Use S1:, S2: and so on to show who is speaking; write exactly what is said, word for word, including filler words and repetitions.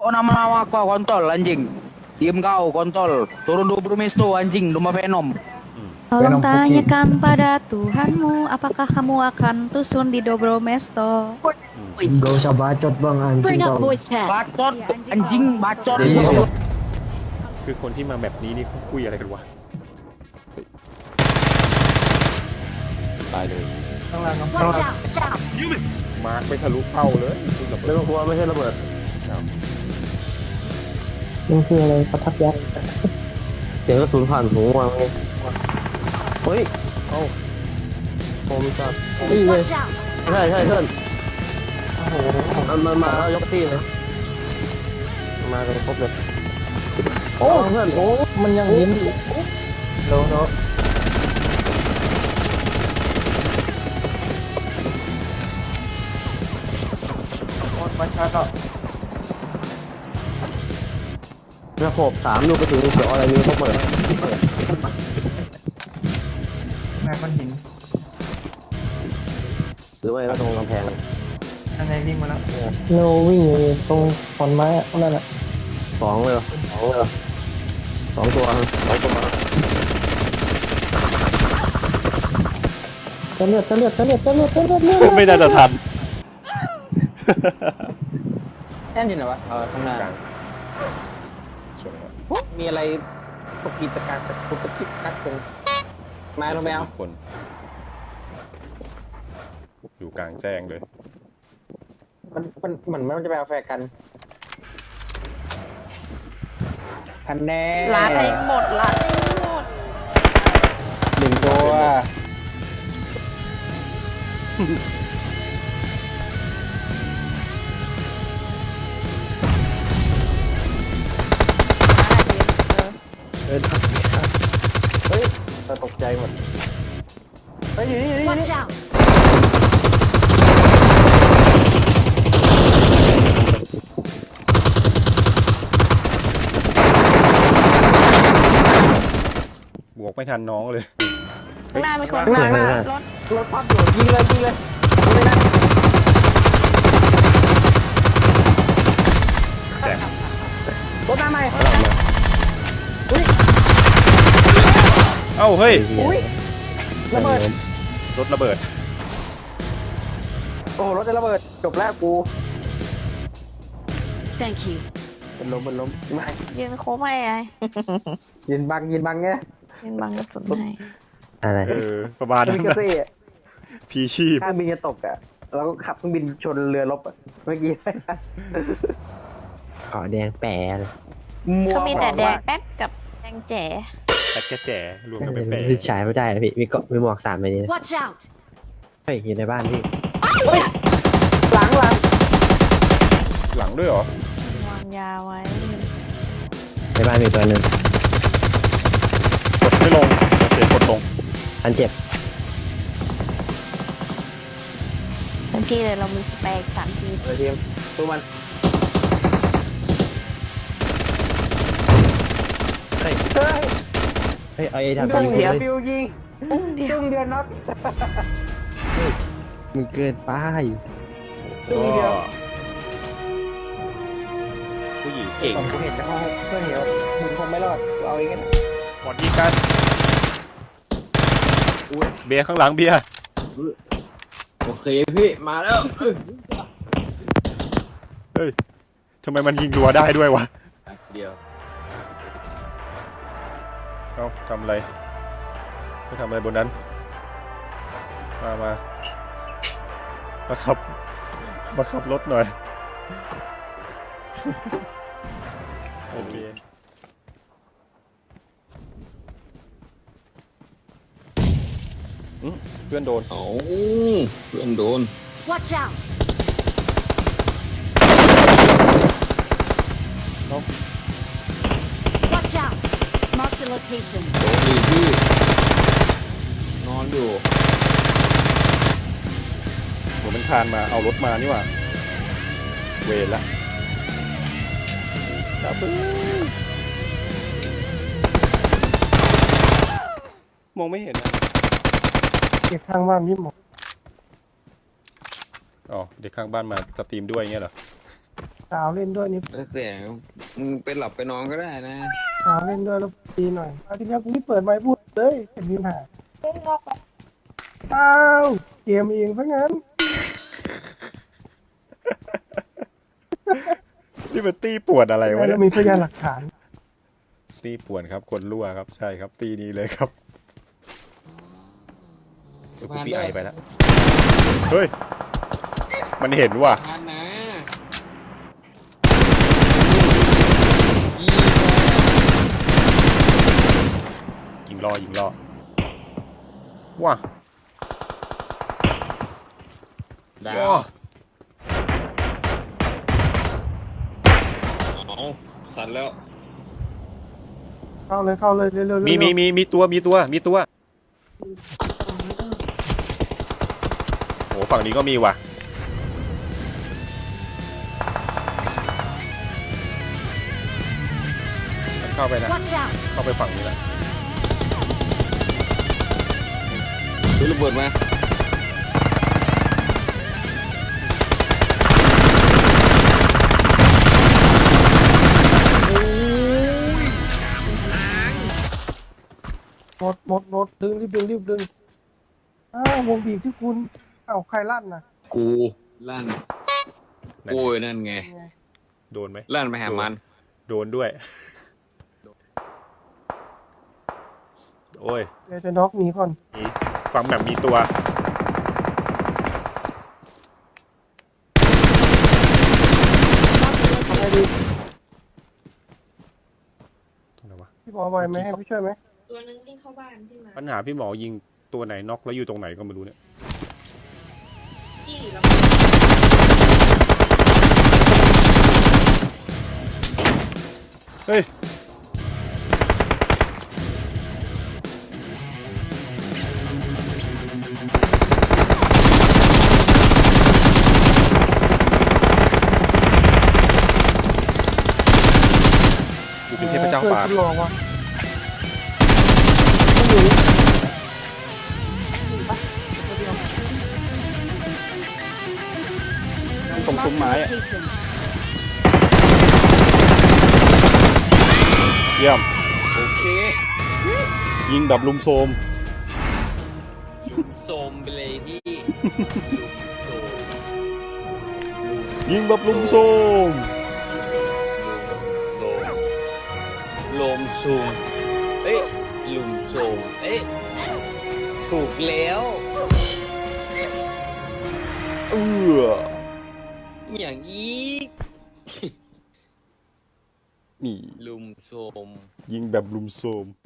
S1: Oh nama aku kontol anjing. Diem kau kontol. Turun dua Brumisto anjing, rumah Venom.
S2: Tolong tanyakan pada Tuhanmu, apakah kamu akan tusun di Dobromesto?
S3: Gak usah bacot bang anjing kau.
S1: Bacot, anjing bacot.
S3: Iya.
S4: คือคนที่มาแบบนี้นี่เขาคุยอะไรกันวะเฮ้ยตายเลย
S3: ข้างล่างข้างล่าง
S4: มาร์คไปทะลุเป้าเลยคุณระเบิ
S3: เรื่
S4: ด
S3: องกลัวไม่ใช่ระเบิด
S4: อ้าว
S3: มันคืออะไรประทับยักษ์เสียงกระสุนผ่านหูมาไงเฮ้ย
S4: เอ้า
S3: ผมจับนี่เลยใช่ใช่เพื่อนมันมันมาแล้วยกที่เลยมากันครบเลยโอ้เพื่อนโอ้มันยังยิ้มโน้โน้มาช้าก็ระบบสามลูกไปถึงเสืออะไรนี้เขาเปิดแม่ก้อนหินหรือว่าตรงกำแพงอันไหนวิ่งมาแล้วโนวิ่งอยู่ตรงขอนไม้อะนั่นแหละสองเลยสองเลยสองตัวสองตัวจะเลือดจะเลือดจะเลือดจะเลือดจะเลือดเลือด
S4: ไม่น่าจะทัน
S5: แน่นอยู่ไหนวะเออข้างหน้าก
S4: ลางส่วนครับ
S5: มีอะไรปกิจการแต่ปกิจการตรงไม้ลงไปเอา
S4: คน อยู่กลางแจ้งเลย
S5: มันมันเหมือนมันจะไปเอาแฟร์กันทันแน่
S2: ร้านให้หมดร้านให้หมด
S5: หนึ่งตัว
S3: เฮ้ยตกใจหมดเฮ้ยอยู่นี่อยู่นี่
S6: Watch out!
S4: บวกไม่ทันน้องเลย
S2: ข้างหน้ามีคน
S3: ข้างหน้าข้างหน้าร
S2: ถ
S5: รถพับอยู่ยิงเลยยิงเลยยิงเลยนะ
S4: แจ้ง
S5: รถมาใหม่
S4: เอ้าเฮ้ย
S5: อุ้ยระเบิด
S4: รถระเบิด
S5: โอ้โหรถจะระเบิดจบแล้วกู
S6: Thank you.
S5: เป็นลมเป็นลมไม่
S2: ยืนโค้งไม่ไง
S5: ยินบังยินบังไง
S2: ยืนบังกระสุนให้
S3: อะไร
S4: เออ ประมาณนั้
S5: มิ
S4: น
S5: กา
S4: นะ
S5: เซ่
S4: พีชีพ
S5: ข้างบินจะตกอ่ะเราก็ขับเครื่องบินชนเรือรบอะเมื่อกี้
S3: เกาะแดงแปะเลย
S2: เขามีแต่แดงแป๊ดกับแดงแจ๋
S4: แป๊กแกแจ๋รวมกันเป็นแปะ
S3: พี่ฉายไม่ได้พี่มีเกาะมีหมวกสามใบนี้
S6: Watch out!
S3: เฮ้ยอยู่ในบ้านพี่
S5: หลังหลัง
S4: หลังด้วยเหรอ
S2: วางยาไว้
S3: ในบ้านมีตัวหนึ่ง
S4: กดไม่ลง โอเค กดลง
S3: อันเจ็บ
S2: เต็มที่เลยเรามีสเปกสามที
S5: เออทีมตัวมัน
S3: เฮ้ย
S5: เฮ้ย
S3: เฮ้ยเอาไอ้
S5: จุ
S3: ทำ
S5: ง
S3: ยิง
S5: เดียว
S3: เลย
S5: ฟิวยิง
S2: อุ้มเดียว
S5: จุงเดียวน็อก
S3: มันเกินไป
S5: จุงเดียว
S4: ผู้หญิงเก่ง
S5: ผมเห็นในห้องเพื่อนเหี่ยวมึงคงไม่รอดกูเอาเองกัน
S4: บอดดีกันอุ้ยเบียร์ข้างหลังเบียร์
S1: โอเคพี่มาแล้ว
S4: เฮ้ย ทำไมมันยิงรัวได้ด้วยวะ
S1: เดียว
S4: เอ้าทำอะไรไม่ทำอะไรบนนั้น มามามาขับ มาขับรถหน่อย โอเค อืมเพื่อนโดน
S1: โอ้เพื่อนโดน
S6: Watch out! Watch out! Mark the location.
S1: โดนดีพี่นอนอยู่
S4: ผมเป็นคานมาเอารถมานี่หว่า เวรละดับเบิ้ลมองไม่เห็นนะ
S3: เก็บข้างบ้านพี่หมอ
S4: อ๋อ เด็กข้างบ้านมาสตรีมด้วยเงี้ยเหรอ
S7: สาวเล่นด้วยนี่
S5: แล้วแต่มึงไปหลับไปนอนก็ได้นะ
S7: สาวเล่นด้วยแล้วดีหน่อยอาทิตย์นี้กูไม่เปิดไมค์พูดเลยเป็นมีปัญหาอ้าวเกมเองซะงั้น
S4: นี่เป็นตีป่วนอะไรวะ
S7: แล้
S4: เนี่
S7: วย มีพยานหลักฐาน
S4: ตีป่วนครับ คนรั่วครับ ใช่ครับ ตีนี้เลยครับ สุกุปีไอไปแล้ว เฮ้ย มันเห็นว่ะ
S5: ทานนะยี
S4: ยิงล่อยิงล่อว้า
S5: ดา
S4: ว้าว
S5: เอาสั่นแล้ว
S7: เข้าเลยเข้าเลยเร็วๆเร็วๆ
S4: มีมีมีมีตัวมีตัวมีตัวโอ้ฝั่งนี้ก็มีว่ะมันเข้าไปนะ
S6: Watch out!
S4: เข้าไปฝั่งนี้แหละ
S5: ดูระเบิดมา
S7: หมดหมดหมดดึงรีบดึงรีบดึงอ้าววงบีบที่คุณเอ้าใครลั่นน่ะ
S5: กูลั่นโอ้ยนั่นไง
S4: โดนไหม
S5: ลั่นไปหามัน
S4: โดนด้วย โอ้ย
S7: เดี๋ยวจะน็อกหนีก่อน
S4: มีฝั่งแบบมีตัว
S7: ทำไงดี
S4: ตรงไหนวะ
S7: พี่บอกไหวไหมให้พี่ช่วยไหม
S8: ตัวนึงวิ่งเข้าบ้านที่มา
S4: ปัญหาพี่หมอยิงตัวไหนน็อกแล้วอยู่ตรงไหนก็ไม่รู้เนี่ย
S8: ที่เรา
S4: เฮ้ย กูเป็นเทพเจ้าป่า
S7: พื่อนคุณหลอกว่ะ
S4: ตรงซุ้ม
S6: Marked
S4: ไม้
S6: a
S4: อะ
S6: location.
S4: เยี่ยม
S5: โอเค
S4: ยิงแบบลุมโซม
S5: ลุมโซมไปเลยพี่
S4: ยิงแบบลุมโซม
S5: โซมลมซูมเอ้ยลุมโซมเอ้ยถูกแล้ว
S4: เออ
S5: อย่างอีก
S4: นี่
S5: ลุมโซม
S4: ยิงแบบลุมโซม